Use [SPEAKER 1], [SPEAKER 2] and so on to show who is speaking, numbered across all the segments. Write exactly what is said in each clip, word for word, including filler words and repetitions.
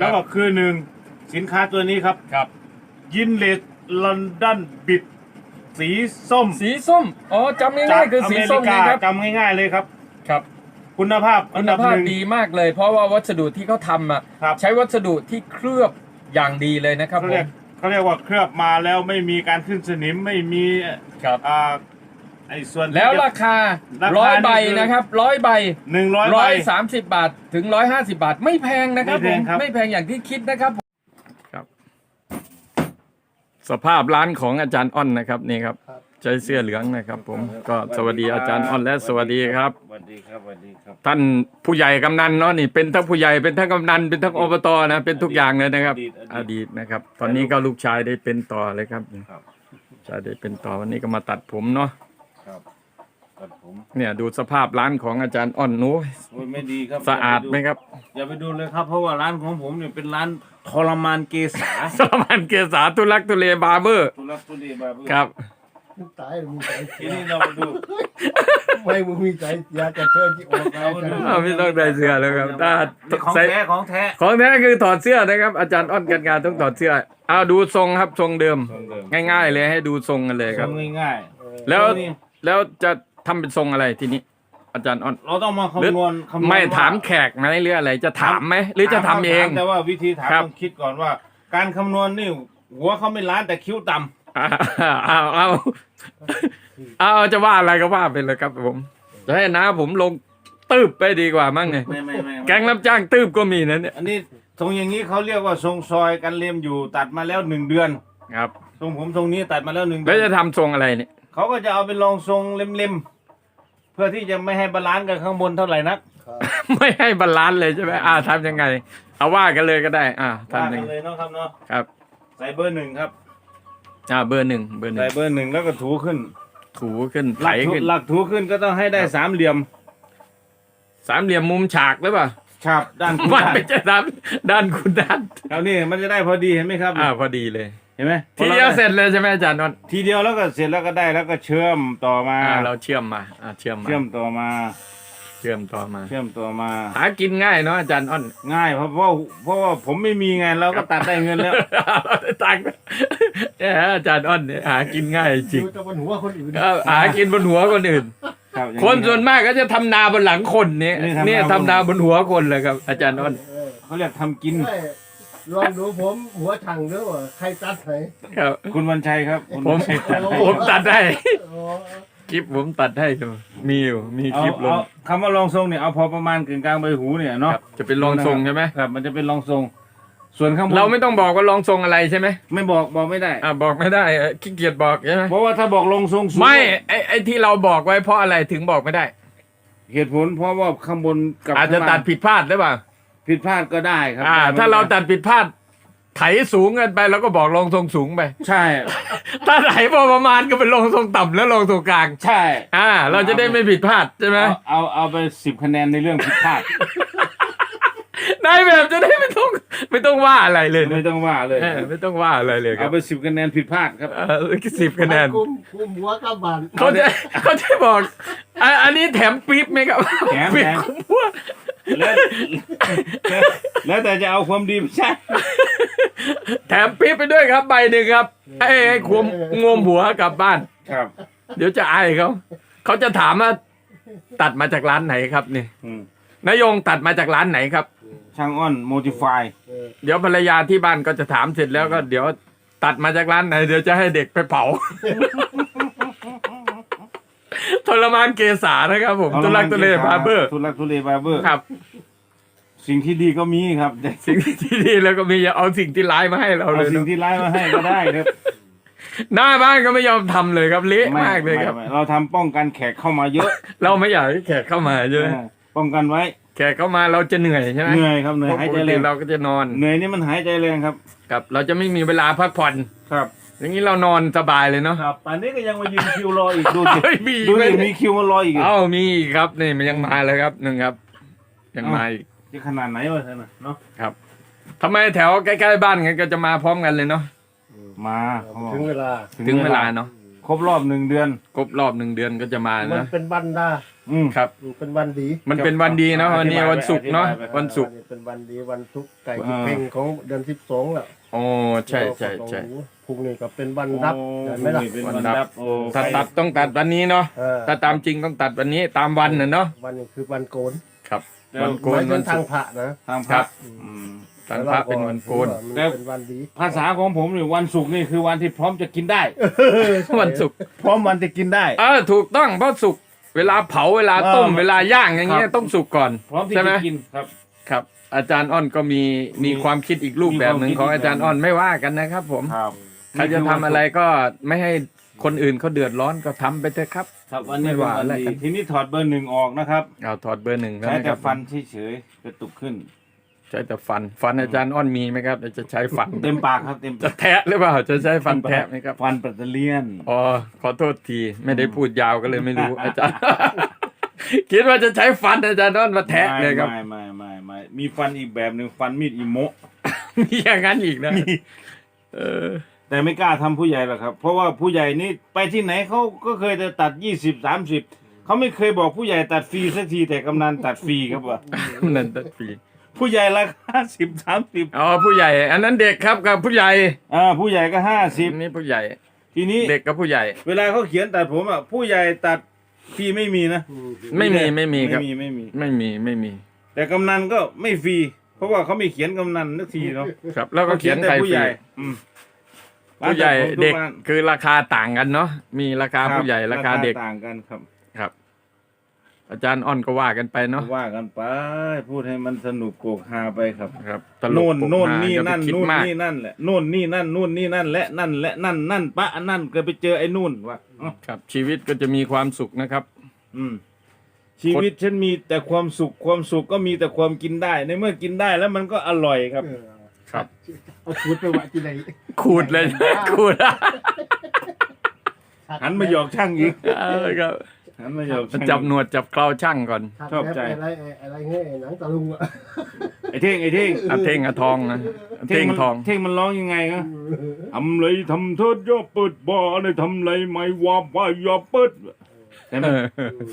[SPEAKER 1] แล้วก็คือหนึ่งสินค้าตัวนี้ครับ
[SPEAKER 2] ครับ
[SPEAKER 1] ยินเลสลอนดอนบิดสีส้ม
[SPEAKER 2] สีส้มอ๋อจำง่ายๆคือสีส้ม
[SPEAKER 1] จากอเมริกา
[SPEAKER 2] นะครับ
[SPEAKER 1] จำง่ายๆเลยครับ
[SPEAKER 2] ครับ
[SPEAKER 1] คุณภาพ
[SPEAKER 2] คุณภาพดีมากเลย เพราะว่าวัสดุที่เขาทำอ่ะ
[SPEAKER 1] ครับ
[SPEAKER 2] ใช้วัสดุที่เคลือบอย่างดีเลยนะครับ
[SPEAKER 1] เขา
[SPEAKER 2] ผ
[SPEAKER 1] เรีย
[SPEAKER 2] ม
[SPEAKER 1] กเขาเรียกว่าเคลือบมาแล้วไม่มีการขึ้นสนิมไม่มี
[SPEAKER 2] ครับ
[SPEAKER 1] อ่าไอ้ส่วนที่
[SPEAKER 2] แล้ว
[SPEAKER 1] จะ
[SPEAKER 2] ราคา
[SPEAKER 1] ราคา
[SPEAKER 2] ร้อยใบ
[SPEAKER 1] นี่คือ
[SPEAKER 2] นะครับร้อยใบ
[SPEAKER 1] หนึ่งร้อย
[SPEAKER 2] ร้
[SPEAKER 1] ใบ
[SPEAKER 2] อยสามสิบบาทถึงร้อยห้าสิบบาท ไม่แพงนะครับ
[SPEAKER 1] ไม่
[SPEAKER 2] ผ
[SPEAKER 1] แพ
[SPEAKER 2] ม
[SPEAKER 1] งครับ
[SPEAKER 2] ไม่แพงอย่างที่คิดนะครับครับ สภาพร้านของอาจารย์อ้อนนะครับนี่ครับใช้เสื้อเหลืองนะครับ ผมก็สวัสดีอาจารย์อ้อนและสวัสดีครับ
[SPEAKER 1] สวัสดีครับสวัสดีครับ
[SPEAKER 2] ท่านผู้ใหญ่กำนันเนาะนี่เป็นทั้งผู้ใหญ่เป็นทั้งกำนันเป็นทั้งอบตนะเป็นทุกอย่างเลยนะครับ อดีตนะครับ ตอนนี้ก็ลูกชายได้เป็นต่อเลยครับ
[SPEAKER 1] ครับ
[SPEAKER 2] ชายได้เป็นต่อวันนี้ก็มาตัดผมเนาะ
[SPEAKER 1] ครับตัดผม
[SPEAKER 2] เนี่ยดูสภาพร้านของอาจารย์อ้อนนู้
[SPEAKER 1] โอ้ยไม่ดีครับ
[SPEAKER 2] สะอาดไหมครับ
[SPEAKER 1] อย่าไปดูเลยครับเพราะว่าร้านของผมเนี่ยเป็นร้านทรมานเกษา
[SPEAKER 2] สมานเกษาทุลักทุเลบาร์เบอร์
[SPEAKER 1] ทุลักทุเลบาเบอ
[SPEAKER 2] ครับ
[SPEAKER 3] มึงตายมึงตาย
[SPEAKER 1] ทีนี้เรามาดู
[SPEAKER 3] ไม่มึงมีใจอยากจะเชิญที่ออกแล้วจะ
[SPEAKER 2] อ้าวไม่ต้องได้เสื้อแล้วครับถ้า
[SPEAKER 1] ของ
[SPEAKER 2] ใส่
[SPEAKER 1] แท้ของแท้
[SPEAKER 2] ของแท้คือถอดเสื้อนะครับ อาจารย์อ้อนกันงานต้องถอดเสื้อเอาดูทรงครับทรงเดิม
[SPEAKER 1] ทรงเดิม
[SPEAKER 2] ง่ายๆเลยให้ดูทรงกันเลยครับ
[SPEAKER 1] ทำง่าย
[SPEAKER 2] แล้ว
[SPEAKER 1] ทรงนี้
[SPEAKER 2] แล้วจะทำเป็นทรงอะไรทีนี้ อาจารย์อ้อน
[SPEAKER 1] ๆเราต้องมาคำนวณคำนวณ
[SPEAKER 2] ไม่
[SPEAKER 1] ว่
[SPEAKER 2] ถามแขกไหมหรืออะไรจะถามไหมหรือจะทำเอง
[SPEAKER 1] ถามแต่ว่าวิธีถาม
[SPEAKER 2] ครับ
[SPEAKER 1] ต้องคิดก่อนว่า การคำนวณนี่หัวเขาไม่ล้านแต่คิ้วต่ำ
[SPEAKER 2] เอาเอาเอาเอาจะว่าอะไรก็ว่าไปเลยครับผมจะให้นะผมลงตืบไปดีกว่ามั้งไง
[SPEAKER 1] ไม่ไม่ไม่
[SPEAKER 2] แก๊งรับจ้างตืบก็มีนะเนี่ย
[SPEAKER 1] อันนี้ทรงอย่างนี้เขาเรียกว่าทรงซอยกันเลียมอยู่ตัดมาแล้วหนึ่งเดือน
[SPEAKER 2] ครับ
[SPEAKER 1] ทรงผมทรงนี้ตัดมาแล้วหนึ่งเดื
[SPEAKER 2] แล้ว
[SPEAKER 1] อน
[SPEAKER 2] จะทำทรงอะไรเนี่ย
[SPEAKER 1] เขาก็จะเอาไปลองทรงเล็มๆเพื่อที่จะไม่ให้บาลานซ์กันข้างบนเท่าไหร่นัก
[SPEAKER 2] ไม่ให้บาลานซ์เลยใช่ไหมอ่าทำยังไง เอาว่ากันเลยก็ได้ อ่า
[SPEAKER 1] ว่า
[SPEAKER 2] ทำยั
[SPEAKER 1] กั
[SPEAKER 2] ง
[SPEAKER 1] น
[SPEAKER 2] ไง
[SPEAKER 1] เลยเนาะครับเนาะ
[SPEAKER 2] ครับ
[SPEAKER 1] ใส่เบอร์หนึ่งครับ
[SPEAKER 2] อ่าเบอร์หนึ่งเบอร์หนึ่
[SPEAKER 1] ใส่
[SPEAKER 2] ง
[SPEAKER 1] เบอร์หนึ่งแล้วก็ถูขึ้น
[SPEAKER 2] ถูขึ้น
[SPEAKER 1] ห
[SPEAKER 2] ไถ
[SPEAKER 1] ลักถู
[SPEAKER 2] ขึ้น
[SPEAKER 1] หลักถูขึ้นก็ต้องให้ได้สามเหลี่ยม
[SPEAKER 2] สามเหลี่ยมมุมฉากหรือเปล่า
[SPEAKER 1] ครับด้านคุณ
[SPEAKER 2] มัน
[SPEAKER 1] ด้าน
[SPEAKER 2] ไม่ใช่ด้านด้านคุณด้าน
[SPEAKER 1] ครับนี่มันจะได้พอดีเห็นไหมครับ
[SPEAKER 2] อ่าพอดีเลย
[SPEAKER 1] เห็นไหม
[SPEAKER 2] ทีเดียวเสร็จเลยใช่ไหมอาจารย์นนท์
[SPEAKER 1] ทีเดียวแล้วก็เสร็จแล้วก็ได้แล้วก็เชื่อมต่อมา
[SPEAKER 2] อ่าเราเชื่อมมาอ่าเชื่อมมา
[SPEAKER 1] เชื่อมต่อมา
[SPEAKER 2] เชื่อมต่อมา
[SPEAKER 1] เชื่อมต่อมา
[SPEAKER 2] หากินง่ายเนาะอาจารย์อ้อน
[SPEAKER 1] ง่ายเพราะเพราะเพราะว่าผมไม่มีไงเราก็ตัดได้เงินแล้ว
[SPEAKER 2] เราได้ตังค์เนี่ยอาจารย์อ้อนเนี่ยหากินง่ายจริง
[SPEAKER 3] ดูแต่บนหัวคนอื่น
[SPEAKER 2] ครับหากินบนหัวคนอื่น
[SPEAKER 1] ครับอย่าง
[SPEAKER 2] คนส่วนมากก็จะทำนาบนหลังคนเนี่ย
[SPEAKER 1] นี่ทำนา
[SPEAKER 2] เนี่ยทำนาบนหัวคนเลยครับ อาจารย์อ้อน
[SPEAKER 3] เออ
[SPEAKER 1] เขาเรียกทำกิน
[SPEAKER 3] ใช่ลองดูผมหัวถังด้วยว่าใครตัดไหน
[SPEAKER 2] ครับ
[SPEAKER 1] คุณวันชัยครับคุณ
[SPEAKER 2] ผม
[SPEAKER 1] วันชัยตัดให้
[SPEAKER 2] ผมตัดให้
[SPEAKER 3] อ๋อ
[SPEAKER 2] คลิปผมตัดให้ดูมีอยู่มีค
[SPEAKER 1] เอา
[SPEAKER 2] ลิปลง
[SPEAKER 1] เอาคำว่าลองทรงเนี่ยเอาพอประมาณกึ่งกลางใบหูเนี่ย
[SPEAKER 2] ค
[SPEAKER 1] เนาะ
[SPEAKER 2] รับจะเป็นรองทรงใช่ไหม
[SPEAKER 1] ครับ มันจะเป็นรองทรง ส่วนข้างบน
[SPEAKER 2] เราไม่ต้องบอกว่ารองทรงอะไรใช่ไหม
[SPEAKER 1] ไม่บอกบอกไม่ได้
[SPEAKER 2] อ่าบอกไม่ได้เอ่อขี้เกียจบอกใช่ไหม
[SPEAKER 1] เพราะว่าถ้าบอกลงทรงสูง
[SPEAKER 2] ไม่ไอไอที่เราบอกไว้เพราะอะไรถึงบอกไม่ได้
[SPEAKER 1] เหตุผลเพราะว่าข้างบนกับ
[SPEAKER 2] อาจจะ
[SPEAKER 1] ข้งล่ง
[SPEAKER 2] ตัดผิดพลาดหรือเปล่า
[SPEAKER 1] ผิดพลาดก็ได้ครั
[SPEAKER 2] อ่า
[SPEAKER 1] ได้
[SPEAKER 2] ถ้าเราตัดผิดพลาดไถสูงเกินไปเราก็บอกรองทรงสูงไป
[SPEAKER 1] ใช่
[SPEAKER 2] ถ้าไถพอประมาณก็เป็นรองทรงต่ำแล้วรองทรงกลาง
[SPEAKER 1] ใช่
[SPEAKER 2] อ่า เราจะได้ไม่ผิดพลาดใช่ไหม
[SPEAKER 1] เอาเอาเอาไปสิบคะแนนในเรื่องผิดพลาด
[SPEAKER 2] นายแบบจะได้ไม่ต้องไม่ต้องว่าอะไรเลย
[SPEAKER 1] ไม่
[SPEAKER 2] นะ
[SPEAKER 1] ต้องว่าเลย
[SPEAKER 2] เออไม่ต้องว่าอะไรเลยค
[SPEAKER 1] เอา
[SPEAKER 2] รับ
[SPEAKER 1] ไปสิบคะแนนผิดพลาดครับ
[SPEAKER 2] เออสิบคะแนน
[SPEAKER 3] คุมคุมหัวกับบาน
[SPEAKER 2] เขาจะเขาจะบอกอ่ะอันนี้แถมปี๊บไหมครับ
[SPEAKER 1] แถม
[SPEAKER 2] ปี๊บ
[SPEAKER 1] แถม
[SPEAKER 2] คุ้มหัว
[SPEAKER 1] แล้วแล้วแล้วแต่จะเอาความดีไม่ใช่
[SPEAKER 2] แถมปี๊บไปด้วยครับใบหนึ่งครับให้ให้ควมงวมหัวกลับบ้าน
[SPEAKER 1] ครับ
[SPEAKER 2] เดี๋ยวจะอายเขาเขาจะถามว่าตัดมาจากร้านไหนครับนี่
[SPEAKER 1] อืม
[SPEAKER 2] นายงตัดมาจากร้านไหนครับ
[SPEAKER 1] ช่างอ้อนโมดิฟาย
[SPEAKER 3] เออ
[SPEAKER 2] เดี๋ยวภรรยาที่บ้านก็จะถามเสร็จแล้วก็เดี๋ยวตัดมาจากร้านไหน เดี๋ยวจะให้เด็กไปเผา ทรมานเกษานะครับผมตุลักตุเลบาร์เบอร์
[SPEAKER 1] ทุลักทุเลบาร์เบอร์
[SPEAKER 2] ครับ
[SPEAKER 1] สิ่งที่ดีก็มีครับแต่
[SPEAKER 2] สิ่งที่ดีแล้วก็มีอย่าเอาสิ่งที่ร้ายมาให้เรา
[SPEAKER 1] เอา
[SPEAKER 2] เลย
[SPEAKER 1] สิ่ง
[SPEAKER 2] เนอะ
[SPEAKER 1] ที่ร้ายมาให้ก็ได้ครับ
[SPEAKER 2] หน้าบ้านก็ไม่ยอมทำเลยครับเละมากเลยครับ
[SPEAKER 1] ไไเราทำป้องกันแขกเข้ามาเยอะ
[SPEAKER 2] เราไม่อยากให้แขกเข้ามาใช่ไหม
[SPEAKER 1] เออป้องกันไว้
[SPEAKER 2] แขกเข้ามาเราจะเหนื่อยใช่ไหม
[SPEAKER 1] เหนื่อยครับเหนื่อย
[SPEAKER 2] เพราะ
[SPEAKER 1] หาย
[SPEAKER 2] ป
[SPEAKER 1] ใจ
[SPEAKER 2] ก
[SPEAKER 1] แร
[SPEAKER 2] ติ
[SPEAKER 1] ง
[SPEAKER 2] เราก็จะนอน
[SPEAKER 1] เหนื่อยนี่มันหายใจแรงครับ
[SPEAKER 2] ครับ เราจะไม่มีเวลาพักผ่อน
[SPEAKER 1] ครับ
[SPEAKER 2] อย่างนี้เรานอนสบายเลยเนาะ
[SPEAKER 1] ครับป่านนี้ก็ยังมายืนคิวรออีกดูสิ
[SPEAKER 2] เฮ้ยมี
[SPEAKER 1] ดู
[SPEAKER 2] ไหม
[SPEAKER 1] สิมีคิวมารออีก
[SPEAKER 2] เอ้ามีอีกครับนี่มันยังมาเลยครับหนึ่งครับ ยังมาอีก
[SPEAKER 1] จะขนาดไหนวะท่านน่ะเนาะ
[SPEAKER 2] ครับทำไมแถวใกล้ๆบ้านกันก็จะมาพร้อมกันเลยเนาะ
[SPEAKER 1] มาเขาบอก
[SPEAKER 3] ถึงเวลา
[SPEAKER 2] ถึงเวลาเนาะ
[SPEAKER 1] ครบรอบหนึ่งเดือน
[SPEAKER 2] ครบรอบหนึ่งเดือนก็จะมา
[SPEAKER 3] มัน
[SPEAKER 2] นะ
[SPEAKER 3] เป็นบรรดา
[SPEAKER 1] อืม
[SPEAKER 2] ครับ
[SPEAKER 3] เป็นวันดี
[SPEAKER 2] มันเป็นวันดีเนาะวันนี้วันศุกร์เนาะ
[SPEAKER 1] อธิบายไป
[SPEAKER 2] วันศุกร์
[SPEAKER 3] เป็นวันดีวันทุกข์ไก่ทุกเพ่งของเดือนสิบสองแหละ
[SPEAKER 2] โอ้ใช่ใช่ใช่
[SPEAKER 3] พรุ่งนี้ก็เป็นวันรับเห็นไหมล่ะ
[SPEAKER 1] เป็น
[SPEAKER 2] วั
[SPEAKER 1] วัน น
[SPEAKER 2] รับ
[SPEAKER 1] รับโอ้
[SPEAKER 2] ถ้าตัดต้องตัดวันนี้เนาะ
[SPEAKER 3] เออ
[SPEAKER 2] ถ้าตามจริงต้องตัดวันนี้ตามวันน่ะเนาะ
[SPEAKER 3] วันนี้คือวันโกน
[SPEAKER 2] ครับ
[SPEAKER 1] แล้ว
[SPEAKER 2] วันโก
[SPEAKER 3] ห
[SPEAKER 2] น
[SPEAKER 3] มายถึ
[SPEAKER 2] วั
[SPEAKER 3] ง
[SPEAKER 2] น
[SPEAKER 3] ทา
[SPEAKER 2] ศุ
[SPEAKER 3] ง
[SPEAKER 2] กร์
[SPEAKER 3] พระนะ
[SPEAKER 1] ทางพ
[SPEAKER 2] ครั
[SPEAKER 1] ระ
[SPEAKER 2] บ
[SPEAKER 1] อืม
[SPEAKER 2] ทางพระเป็นวันโกน
[SPEAKER 3] มันเป็นวันดี
[SPEAKER 1] ภาษาของผมนี่วันศุกร์นี่คือวันที่พร้อมจะกินได้
[SPEAKER 2] วันศุกร์
[SPEAKER 1] พร้อมวันจะกินได้
[SPEAKER 2] เออถูกต้องเพราะสุกเวลาเผาเวลาต้ม
[SPEAKER 1] เออ
[SPEAKER 2] เวลาย่างอย่างเงี้
[SPEAKER 1] ค
[SPEAKER 2] ย
[SPEAKER 1] รับ
[SPEAKER 2] ต้องสุกก่อน
[SPEAKER 1] พร้อมที่
[SPEAKER 2] ใช่ไหม
[SPEAKER 1] จะกินครับ
[SPEAKER 2] ครับ อาจารย์อ้อนก็มี
[SPEAKER 1] มี
[SPEAKER 2] มีความคิดอีกรูปแบบหนึ่ง
[SPEAKER 1] มี
[SPEAKER 2] ข
[SPEAKER 1] ความ
[SPEAKER 2] อง
[SPEAKER 1] คิด
[SPEAKER 2] อาจารย์อ้อนไม่ว่ากันนะครับ ผม
[SPEAKER 1] ครับ
[SPEAKER 2] ใครจะทำอะไรก็ไม่ให้คนอื่นเขาเดือดร้อนก็ทำไปเถอะครับ
[SPEAKER 1] ครับวันนี้
[SPEAKER 2] ไม่
[SPEAKER 1] เป็น
[SPEAKER 2] ว่า
[SPEAKER 1] วัน
[SPEAKER 2] อะไร
[SPEAKER 1] ดี
[SPEAKER 2] กัน
[SPEAKER 1] ทีนี้ถอดเบอร์หนึ่งออกนะครับ
[SPEAKER 2] เอาถอดเบอร์หนึ่งแล้ว
[SPEAKER 1] ใช้
[SPEAKER 2] นะค
[SPEAKER 1] แต่
[SPEAKER 2] รับ
[SPEAKER 1] ฟันเฉยๆกระตุกขึ้น
[SPEAKER 2] ใช้แต่ฟันฟันอาจารย์อ้อนมีไหมครับจะใช้ฟัน
[SPEAKER 1] เต็มปากครับเต็ม
[SPEAKER 2] จะแทะหรือเปล่าจะใช้ฟันแทะไหมครับ
[SPEAKER 1] ฟันปัตเตอร์เลียน
[SPEAKER 2] อ๋อขอโทษทีไม่ได้พูดยาวก็เลยไม่รู้ อาจารย์ คิดว่าจะใช้ฟันอาจารย์อ้อนมาแทะเลยครับ
[SPEAKER 1] ไม่ไม่ไม่ไม่มีฟันอีกแบบหนึ่งฟันมีดอิโมะ
[SPEAKER 2] มีอย่างนั้นอีกนะเออ
[SPEAKER 1] แต่ไม่กล้าทำผู้ใหญ่หรอกครับ เพราะว่าผู้ใหญ่นี่ไปที่ไหนเขาก็เคยจะตัดยี่สิบสามสิบเขาไม่เคยบอกผู้ใหญ่ตัดฟรีสักทีแต่กำนันตัดฟรีครับว่า
[SPEAKER 2] นั่นตัดฟรี
[SPEAKER 1] ผู้ใหญ่ราคาสิบสามสิบ
[SPEAKER 2] อ๋อผู้ใหญ่ อันนั้นเด็กครับกับผู้ใหญ่
[SPEAKER 1] อ่าผู้ใหญ่ก็ห้าสิบ
[SPEAKER 2] นี่ผู้ใหญ่
[SPEAKER 1] ทีนี้
[SPEAKER 2] เด็กกับผู้ใหญ่
[SPEAKER 1] เวลาเขาเขียนตัดผมอ่ะผู้ใหญ่ตัดฟรีไม่มีนะ
[SPEAKER 2] ไม่มีไม่มีครับ
[SPEAKER 1] ไม่มีไม่มี
[SPEAKER 2] ไม่มีไม่มี
[SPEAKER 1] แต่กำนันก็ไม่ฟรีเพราะว่าเขาไม่เขียนกำนันสักทีเนาะ
[SPEAKER 2] ครับ แล้วก็เขียน
[SPEAKER 1] แต่
[SPEAKER 2] ใคร
[SPEAKER 1] ผู้
[SPEAKER 2] ฟ
[SPEAKER 1] ให
[SPEAKER 2] รี
[SPEAKER 1] ญ่อืม
[SPEAKER 2] ผู้ใหญ่
[SPEAKER 1] ร้านตัผมทุ
[SPEAKER 2] เด็ก
[SPEAKER 1] ร้าน
[SPEAKER 2] คือราคาต่างกันเนาะมีราคา
[SPEAKER 1] รับ
[SPEAKER 2] ผู้ใหญ่ราคาเด็ก
[SPEAKER 1] ต่างกันครับ
[SPEAKER 2] ครับ อาจารย์อ้อนก็ว่ากันไปเนาะ
[SPEAKER 1] ว่ากันไปพูดให้มันสนุกโกกฮาไปครับ
[SPEAKER 2] ครับตลก
[SPEAKER 1] โน่น
[SPEAKER 2] ปก
[SPEAKER 1] โน่น
[SPEAKER 2] ฮา
[SPEAKER 1] นี่
[SPEAKER 2] อย่าไป
[SPEAKER 1] นั่น
[SPEAKER 2] คิด
[SPEAKER 1] นู่น
[SPEAKER 2] มาก
[SPEAKER 1] นี่นั่นแหละโน่นนี่นั่นนู่นนี่นั่นและนั่นและนั่นนั่นปะอันนั่นก็ไปเจอไอ้นู่นว่ะอ๋อ
[SPEAKER 2] ครับ ชีวิตก็จะมีความสุขนะครับ
[SPEAKER 1] อืมชีวิตฉันมีแต่ความสุขความสุขก็มีแต่ความกินได้ ในเมื่อกินได้แล้วมันก็อร่อยครับ
[SPEAKER 3] เออ
[SPEAKER 2] ครับ
[SPEAKER 3] เอาขูดไปไว้ที่ไหน
[SPEAKER 2] ขูดเลย ขูด
[SPEAKER 1] หันมาหยอกช่างอีก
[SPEAKER 2] เออครับ
[SPEAKER 1] หันมาหยอกช่าง
[SPEAKER 2] จับหนวดจับเคราช่างก่อน
[SPEAKER 1] ชอบใจ
[SPEAKER 3] อะไรอะไรเงี้ยหนังตะลุงอ่ะ
[SPEAKER 1] ไอ้เท่งไอ้เท่ง
[SPEAKER 2] อาเท่งอาทองนะอาเท่ง
[SPEAKER 1] มัน
[SPEAKER 2] ทอง
[SPEAKER 1] เท่งมันร้องยังไงครับทำไรทำเถิดอย่าเปิดบ่อเลยทำไรไม่ว่าว่าอย่าเปิดใช่ไหม
[SPEAKER 2] เออ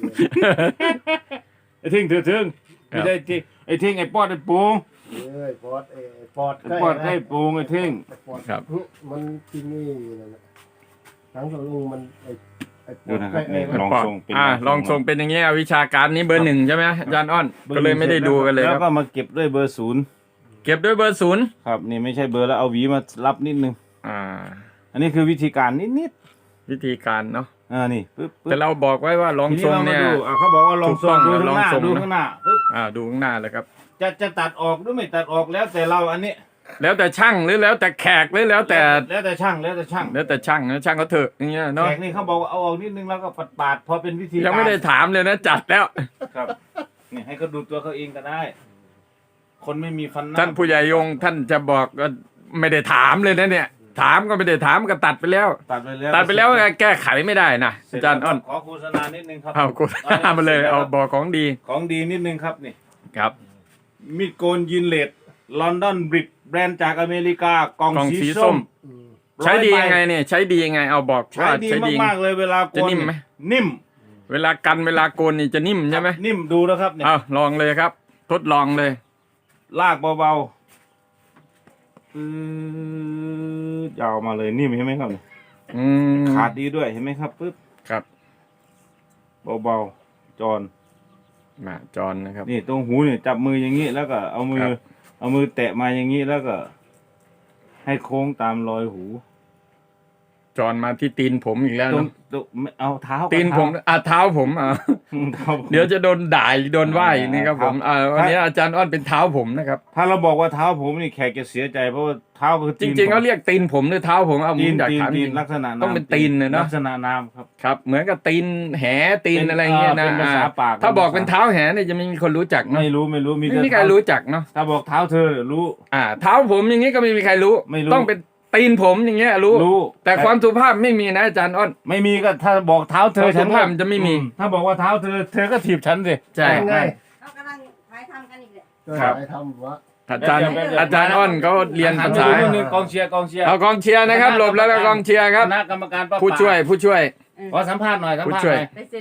[SPEAKER 1] ไอ้เท่งเถื่อเถิง
[SPEAKER 2] ครั
[SPEAKER 1] ไม่
[SPEAKER 2] บ
[SPEAKER 1] ได้ที่ไอ้เท่งไอ้ปอดไอ้ปู
[SPEAKER 3] เอ้ยปอดเอ้ยปอด
[SPEAKER 1] ไอ้ปอดไอ้ปูไอ้เท่ง
[SPEAKER 3] ปอด
[SPEAKER 2] ครับ
[SPEAKER 3] มันที่นี่นั่นแหละหนังตะลุงมันไอ้ไอ้ป
[SPEAKER 1] ดู
[SPEAKER 3] อด
[SPEAKER 1] นะครับ
[SPEAKER 3] ไอ้
[SPEAKER 1] นี่
[SPEAKER 3] ไอ้
[SPEAKER 1] ลอง
[SPEAKER 2] ปอด
[SPEAKER 1] ทรงเป็น
[SPEAKER 2] อ่าลองทรงเป็นอย่างเงี้ยวิชาการนี้เบอร์หนึ่งใช่ไหมอาจารย์อ้อน ก็เลยไม่ได้ดูกันเลย
[SPEAKER 1] แล้
[SPEAKER 2] คว รับ
[SPEAKER 1] ก็มาเก็บด้วยเบอร์ศูนย์
[SPEAKER 2] เก็บด้วยเบอร์ศูนย์
[SPEAKER 1] ครับนี่ไม่ใช่เบอร์แล้วเอาหวีมารับนิดนึง
[SPEAKER 2] อ่า
[SPEAKER 1] อันนี้คือวิธีการนิด
[SPEAKER 2] วิธีการเนาะ
[SPEAKER 1] ๆอ่านี่ปึ๊บปึ๊บ
[SPEAKER 2] แต่เราบอกไว้ว่าลอง
[SPEAKER 1] ที
[SPEAKER 2] ทรง
[SPEAKER 1] เรามา
[SPEAKER 2] เนี่ย
[SPEAKER 1] ดูอ่าเขาบอกว่าลองทรง
[SPEAKER 2] ถู
[SPEAKER 1] ดู
[SPEAKER 2] กต้อง
[SPEAKER 1] ข้างหน้า
[SPEAKER 2] ลองทรง
[SPEAKER 1] ดู
[SPEAKER 2] นะ
[SPEAKER 1] ข้างหน้าปึ๊บ
[SPEAKER 2] อ่าดูข้างหน้าเลยครับ
[SPEAKER 1] จะจะตัดออกหรือไม่ตัดออกแล้วแต่เราอันนี้
[SPEAKER 2] แล้วแต่ช่างหรือแล้วแต่แขกหรือแล้วแต่
[SPEAKER 1] แล้วแต่ช่างแล้วแต่ช่าง
[SPEAKER 2] แล้วแต่ช่างนะช่างเขาเถอะอย่างเงี้ยเนาะ
[SPEAKER 1] แขกนี่เขาบอกว่าเอาออกนิดนึงแล้วก็ปัดปาดๆพอเป็นวิธี
[SPEAKER 2] ยังไม่ได้
[SPEAKER 1] การ
[SPEAKER 2] ถามเลยนะจัดแล้ว
[SPEAKER 1] ครับนี่ให้เขาดูตัวเขาเองก็ได้ คนไม่มีฟันหน้า
[SPEAKER 2] ท่านผู้ใหญ่ยงท่านจะบอกก็ไม่ได้ถามเลยนะเนี่ย ถามก็ไม่ได้ถามก็ตัดไปแล้ว
[SPEAKER 1] ตัดไปแล้ว
[SPEAKER 2] ตัดไปแล้วแก้ไขไม่ได้นะ
[SPEAKER 1] เสร็
[SPEAKER 2] อา
[SPEAKER 1] จ
[SPEAKER 2] จารย์อ้อน
[SPEAKER 1] ขอโฆษณานิดนึงครับ
[SPEAKER 2] เอากูมาเลยเอาบอกของดี
[SPEAKER 1] ของดีนิดนึงครับนี่
[SPEAKER 2] ครับ
[SPEAKER 1] มีดโกนยินเลดลอนดอนบริดแบรนด์จากอเมริกากล่อง
[SPEAKER 2] กล่อง
[SPEAKER 1] สี
[SPEAKER 2] สี
[SPEAKER 1] ส้
[SPEAKER 2] ส้
[SPEAKER 1] ม
[SPEAKER 2] ม
[SPEAKER 3] อืม
[SPEAKER 2] ใช้ดี
[SPEAKER 1] ร้อ
[SPEAKER 2] ยังไง
[SPEAKER 1] ใบ
[SPEAKER 2] เนี่ยใช้ดียังไงเอาบอก
[SPEAKER 1] ใช้
[SPEAKER 2] ว่า
[SPEAKER 1] ดี
[SPEAKER 2] ใช้ดี
[SPEAKER 1] มากๆเลยเวลาโกน
[SPEAKER 2] จะนิ่มไหม
[SPEAKER 1] นิ่ม
[SPEAKER 2] เวลากันเวลาโกนนี่จะนิ่มใช่ไหม
[SPEAKER 1] นิ่มดูนะครับเนี่ย
[SPEAKER 2] เอาลองเลยครับ ทดลองเลย
[SPEAKER 1] ลากเบาๆปื๊ดยาวมาเลยนิ่มเห็นไหมครับเนี่ย
[SPEAKER 2] อืม
[SPEAKER 1] ขาดดีด้วยเห็นไหมครับปึ๊บ
[SPEAKER 2] ครับ
[SPEAKER 1] เบาๆจอน
[SPEAKER 2] มาจอนนะครับ
[SPEAKER 1] นี่ตรงหูเนี่ยจับมืออย่างนี้แล้วก็เอามือ
[SPEAKER 2] ครับ
[SPEAKER 1] เอามือแตะมาอย่างนี้แล้วก็ ให้โค้งตามรอยหู
[SPEAKER 2] จอนมาที่ตีนผมอีกแล้ว
[SPEAKER 1] ตรง
[SPEAKER 2] เนาะ
[SPEAKER 1] ตรงไม่เอาเท้า
[SPEAKER 2] ตีนผมอ่ะเท้าผมอ่ะ
[SPEAKER 1] เท้าผม
[SPEAKER 2] เดี๋ยวจะโดนด่าโดนว่าอีกนี่ครับผม
[SPEAKER 1] ครับ
[SPEAKER 2] อ่าวันนี้อาจารย์อ้อนเป็นเท้าผมนะครับ
[SPEAKER 1] ถ้าเราบอกว่าเท้าผมนี่แขกจะเสียใจเพราะว่าเท้าคือ
[SPEAKER 2] จ
[SPEAKER 1] ตีน
[SPEAKER 2] ริงๆ
[SPEAKER 1] ผม
[SPEAKER 2] เขาเรียกตีนผมหรือเท้าผมเอาผ
[SPEAKER 1] ตี
[SPEAKER 2] ม
[SPEAKER 1] น
[SPEAKER 2] อยาก
[SPEAKER 1] ตีน
[SPEAKER 2] ถามจ
[SPEAKER 1] ตีน
[SPEAKER 2] ริง
[SPEAKER 1] ลักษณะ
[SPEAKER 2] ต้องเป็นตีนเลยเนอะ
[SPEAKER 1] ลักษณะนามครับ
[SPEAKER 2] ครับ เหมือนกับตีนแหตีนอะไรเงี้ยนะ
[SPEAKER 1] เป็นภาษาปาก
[SPEAKER 2] ถ้าบอกเป็นเท้าแหเนี่ยจะไม่มีคนรู้จักเนาะ
[SPEAKER 1] ไม่รู้ไม่รู้มี
[SPEAKER 2] ไม่
[SPEAKER 1] แต่
[SPEAKER 2] มีใครรู้จักเนาะ
[SPEAKER 1] ถ้าบอกเท้าเธอรู้
[SPEAKER 2] อ่า เท้าผมอย่างนี้ก็ไม่มีใครรู้
[SPEAKER 1] ไม่รู้
[SPEAKER 2] ต้องเป็นตีนผมอย่างเงี้ยรู้
[SPEAKER 1] รู้
[SPEAKER 2] แต่ความสุภาพไม่มีนะอาจารย์อ้อน
[SPEAKER 1] ไม่มีก็ถ้าบอกเท้าเธอ
[SPEAKER 2] ความ
[SPEAKER 1] ฉัน
[SPEAKER 2] สุภาพมันจะไม่มี
[SPEAKER 1] อืถ้าบอกว่าเท้าเธอ เธอก็ถีบฉันสิ
[SPEAKER 2] ใช่
[SPEAKER 3] ยังไง
[SPEAKER 4] เรากำลังถ่ายทำกันอีกเลย
[SPEAKER 3] ก็
[SPEAKER 2] ครับ
[SPEAKER 3] ได้ทำวะ
[SPEAKER 2] อาจารย์
[SPEAKER 1] เดี๋ยวเดี๋ยว
[SPEAKER 2] อาจารย์อ้อนเขาเรียน
[SPEAKER 1] หั
[SPEAKER 2] ภาน ษา
[SPEAKER 1] ไปดูนิดนึงกองเชียร์กองเชียร์
[SPEAKER 2] เอากองเชียร์นะครับหลบแล้วก็กองเชียร์ครับ
[SPEAKER 1] คณะกรรมการป้า
[SPEAKER 2] ผู้ช่วยผู้ช่วย
[SPEAKER 1] ขอสัมภาษณ์หน่อยสัม
[SPEAKER 2] ผู้
[SPEAKER 1] ภาษณ์
[SPEAKER 2] ช่
[SPEAKER 1] ห
[SPEAKER 2] วย
[SPEAKER 1] น่อย
[SPEAKER 4] ไปเซ็น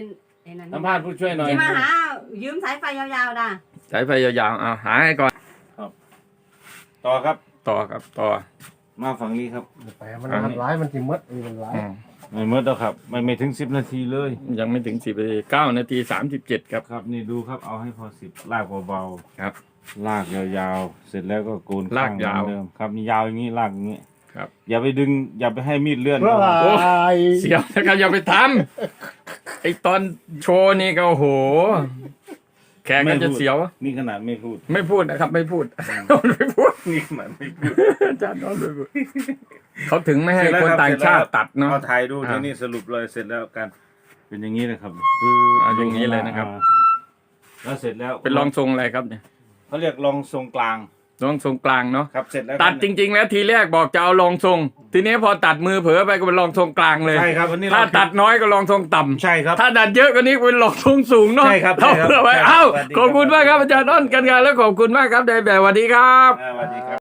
[SPEAKER 4] ไอ้นั่น
[SPEAKER 1] สัมภาษณ์ผู้ช่วยหน่อย
[SPEAKER 4] ที่มาหายืมสายไฟยาวๆด่ะ
[SPEAKER 2] สายไฟยาวๆเอาหาให้ก่อน
[SPEAKER 1] ต่อครับ
[SPEAKER 2] ต่อครับต่อ
[SPEAKER 1] มาฝั่งนี้ครับ
[SPEAKER 3] ไปมันมันร้ายมันจิมดมันร้าย
[SPEAKER 2] อืม
[SPEAKER 1] ไม่เมื่อแล้วครับไม่ไม่ถึงสิบนาทีเลย
[SPEAKER 2] ยังไม่ถึงสิบนาทีเก้านาทีสามสิบเจ็ดครับ
[SPEAKER 1] ครับนี่ดูครับเอาให้พอสิบลากเบา
[SPEAKER 2] ครับ
[SPEAKER 1] ๆลากยาวๆ เสร็จแล้วก็โกน
[SPEAKER 2] ลากยาว
[SPEAKER 1] ข้งเหมือนเดิมครับนี่ยาวอย่างนี้ลากอย่างนี้
[SPEAKER 2] ครับ
[SPEAKER 1] อย่าไปดึง อย่าไปให้มีดเลื่อน
[SPEAKER 3] เพราะ
[SPEAKER 1] นะ
[SPEAKER 3] ว่า
[SPEAKER 1] ครับ
[SPEAKER 2] เสียวนะครับอย่าไปทำไอตอนโชว์นี่ก็โอ้โห แขกก็จะเสียว
[SPEAKER 1] นี่ขนาดไม่พูด
[SPEAKER 2] ไม่พูดนะครับ ไม่พูด ไม่พูด
[SPEAKER 1] นี่ขนาดไม่พูด
[SPEAKER 2] อาจารย์น้องไม่พูดเขาถึงไม่ให้คนต่างชาติตัดเนาะ
[SPEAKER 1] เอาถ่ายดู
[SPEAKER 2] อ่า
[SPEAKER 1] ที่นี่สรุปเลยเสร็จแล้วกัน เป็นอย่างนี้เลยครับ
[SPEAKER 2] อ่าอย่างนี้เลยนะครับ
[SPEAKER 1] อ่าแล้วเสร็จแล้ว
[SPEAKER 2] เป็นรองทรงอะไรครับเนี่ย
[SPEAKER 1] เขาเรียกรองทรงกลาง
[SPEAKER 2] รองทรงกลางเนาะ
[SPEAKER 1] ครับเสร็จแล้ว
[SPEAKER 2] ตัดจริง ๆ แล้วทีแรกบอกจะเอารองทรง ทีนี้พอตัดมือเผลอไปก็เป็นรองทรงกลางเลย
[SPEAKER 1] ใช่ครับอันนี้
[SPEAKER 2] ถ้า
[SPEAKER 1] เร
[SPEAKER 2] ตัดน้อยก็รองทรงต่ำ
[SPEAKER 1] ใช่ครับ
[SPEAKER 2] ถ้าตัดเยอะกว่านี้เป็นรองทรงสูงเนาะ
[SPEAKER 1] ใช่ครับใช่ครับ
[SPEAKER 2] เอาไว้
[SPEAKER 1] ใช่ครับ
[SPEAKER 2] เอ้า
[SPEAKER 1] สวัสดีครับ
[SPEAKER 2] ขอบคุณมากครับอาจารย์อ้นกันงานแล้วขอบคุณมากครับในแบบสวัสดีครับ
[SPEAKER 1] อ่าสวัสดีครับ